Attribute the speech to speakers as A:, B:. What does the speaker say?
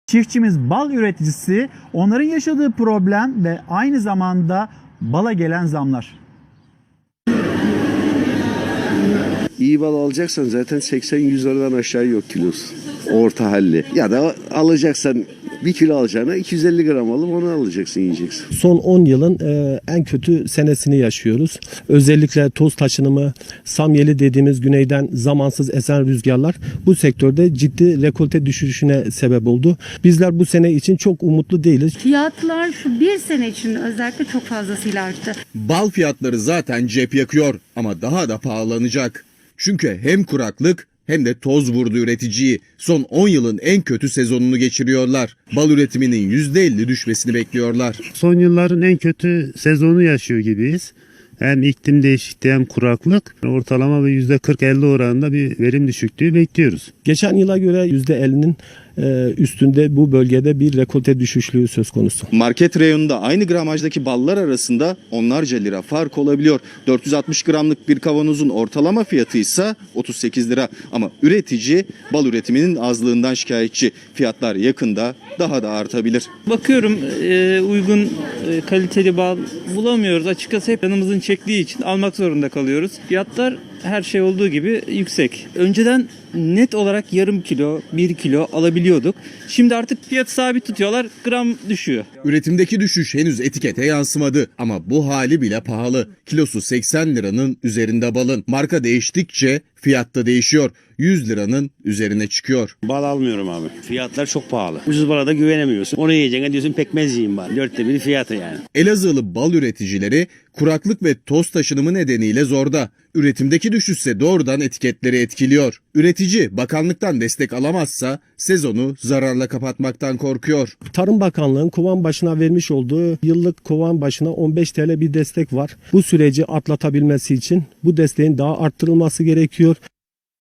A: Çiftçimiz bal üreticisi, onların yaşadığı problem ve aynı zamanda bala gelen zamlar.
B: İyi bal alacaksan zaten 80-100 liradan aşağı yok kilosu. Orta halli. Ya da alacaksan 1 kilo alacağına 250 gram alıp onu alacaksın, yiyeceksin.
C: Son 10 yılın en kötü senesini yaşıyoruz. Özellikle toz taşınımı, samyeli dediğimiz güneyden zamansız esen rüzgarlar bu sektörde ciddi rekolte düşüşüne sebep oldu. Bizler bu sene için çok umutlu değiliz.
D: Fiyatlar şu bir sene için özellikle çok fazlasıyla arttı.
E: Bal fiyatları zaten cep yakıyor ama daha da pahalanacak. Çünkü hem kuraklık hem de toz vurdu üreticiyi. Son 10 yılın en kötü sezonunu geçiriyorlar. Bal üretiminin %50 düşmesini bekliyorlar.
F: Son yılların en kötü sezonu yaşıyor gibiyiz. Hem iklim değişikliği hem kuraklık. Ortalama ve %40-50 oranında bir verim düşüklüğü bekliyoruz.
C: Geçen yıla göre %50'nin üstünde bu bölgede bir rekolte düşüşlüğü söz konusu.
G: Market reyonunda aynı gramajdaki ballar arasında onlarca lira fark olabiliyor. 460 gramlık bir kavanozun ortalama fiyatı ise 38 lira. Ama üretici bal üretiminin azlığından şikayetçi. Fiyatlar yakında daha da artabilir.
H: Bakıyorum uygun kaliteli bal bulamıyoruz. Açıkçası hep yanımızın çektiği için almak zorunda kalıyoruz. Fiyatlar her şey olduğu gibi yüksek. Önceden net olarak yarım kilo, 1 kilo alabiliyorduk. Şimdi artık fiyatı sabit tutuyorlar, gram düşüyor.
E: Üretimdeki düşüş henüz etikete yansımadı ama bu hali bile pahalı. Kilosu 80 liranın üzerinde balın. Marka değiştikçe fiyat da değişiyor. 100 liranın üzerine çıkıyor.
I: Bal almıyorum abi. Fiyatlar çok pahalı. Ucuz bala da güvenemiyorsun. Onu yiyeceğine diyorsun pekmez yiyeyim bari. 1/4 fiyatı yani.
E: Elazığlı bal üreticileri kuraklık ve toz taşınımı nedeniyle zorda. Üretimdeki düşüşse doğrudan etiketleri etkiliyor. Üretici bakanlıktan destek alamazsa sezonu zararla kapatmaktan korkuyor.
C: Tarım Bakanlığı'nın kovan başına vermiş olduğu yıllık kovan başına 15 TL bir destek var. Bu süreci atlatabilmesi için bu desteğin daha arttırılması gerekiyor.